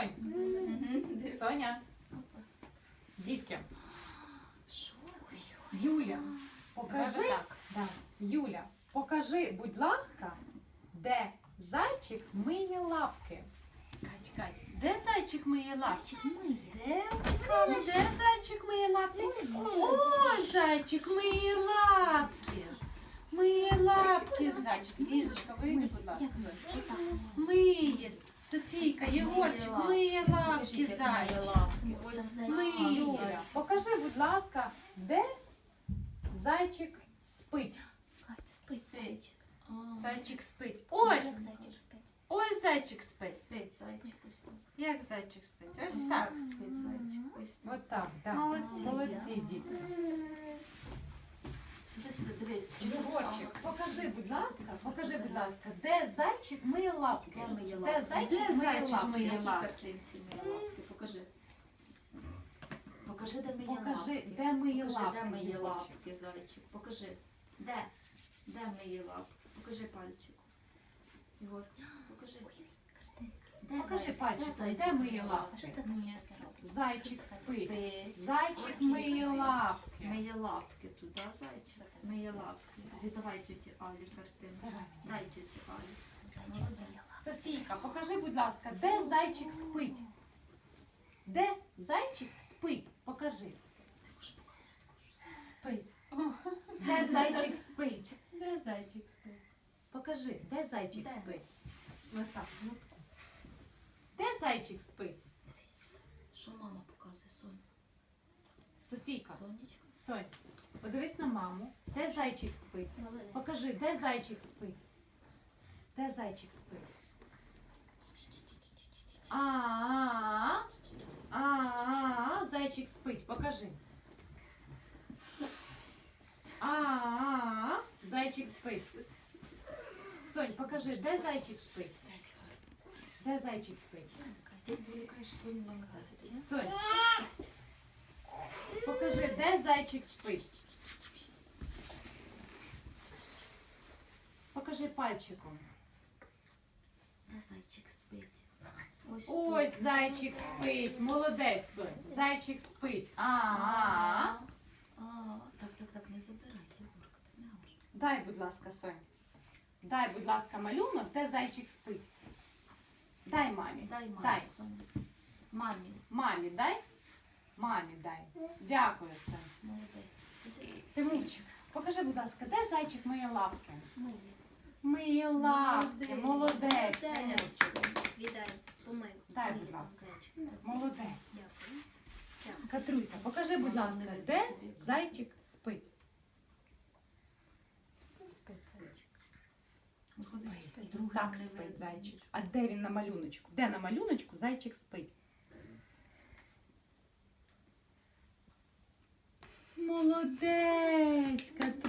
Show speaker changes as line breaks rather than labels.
Сонь. Соня. Дітям. Юля, покажи. Да. Юля, покажи, будь ласка, де зайчик миє лапки.
Кать, де зайчик миє лапки? Де зайчик миє лапки? О, зайчик миє лапки. Миє лапки, зайчик. Лізочка, вийди, будь ласка. Миє. Софійка, Єгорчик, миє лапки, зайчик. Миє.
Юля, покажи, будь ласка, де зайчик спить.
Спить. Зайчик спить. Ось зайчик спить. Як зайчик спить? Ось так спить зайчик.
От так, так.
Молодці.
Молодці, дітки.
Сиди, дивись.
Єгорчик, покажи, будь ласка, де зайчик миє лапки. Де зайчик миє лапки.
Картинці миє лапки. Покажи. Покажи, де миє
Покажи,
лапки.
де миє
Покажи, де
лапки.
миє
Єгорчик.
лапки, зайчик. Покажи. Де? Де миє лапки? Покажи пальчик. Єгор, покажи.
Покажи пальчиком, де миє лапки.
Ні,
Зайчик спить.
спить.
Зайчик миє лапки.
Миє лапки туди, зайчик. Миє лапки. Давай тіті Алі картинку.
Давай.
Дай тіті Алі.
Софійка, покажи, будь ласка, де зайчик спить. Де зайчик спить? Покажи.
Спить.
Де зайчик спить?
Де зайчик спить?
Покажи, де зайчик
Де?
спить? Ось так. Де зайчик спить?
Дивись сюди. Що мама показує, Соня?
Софійка,
Сонечко.
Сонь, подивись на маму. Де зайчик спить? Покажи, де зайчик спить? Де зайчик спить? А, зайчик спить. Покажи. Зайчик спить. Сонь, покажи, де зайчик спить? Де зайчик спить?
Ти відволікаєш Соню на мене.
Сонь, покажи, де зайчик спить? Покажи пальчиком.
Де зайчик спить?
Ось зайчик спить. Молодець, Сонь. Зайчик спить.
Так, не забирай, Єгорка, так не можна.
Дай, будь ласка, Сонь. Дай, будь ласка, малюнок, де зайчик спить. Дай мамі.
Дай мамі,
Дай.
Соня. Мамі,
Мамі дай. Мамі дай. Дякую, Сонь.
молодець. Сиди.
Тимурчик, покажи, будь ласка, де зайчик миє лапки?
Миє.
Миє лапки. Молодець. Тимурчик.
Віддай, помив.
Дай, будь ласка.
Зайчик.
Молодець.
Дякую.
Катруся, покажи, будь ласка, де зайчик спить.
Спить зайчик.
Спить. Так спить зайчик. А де він на малюночку? Де на малюночку зайчик спить? Молодець, Катруся.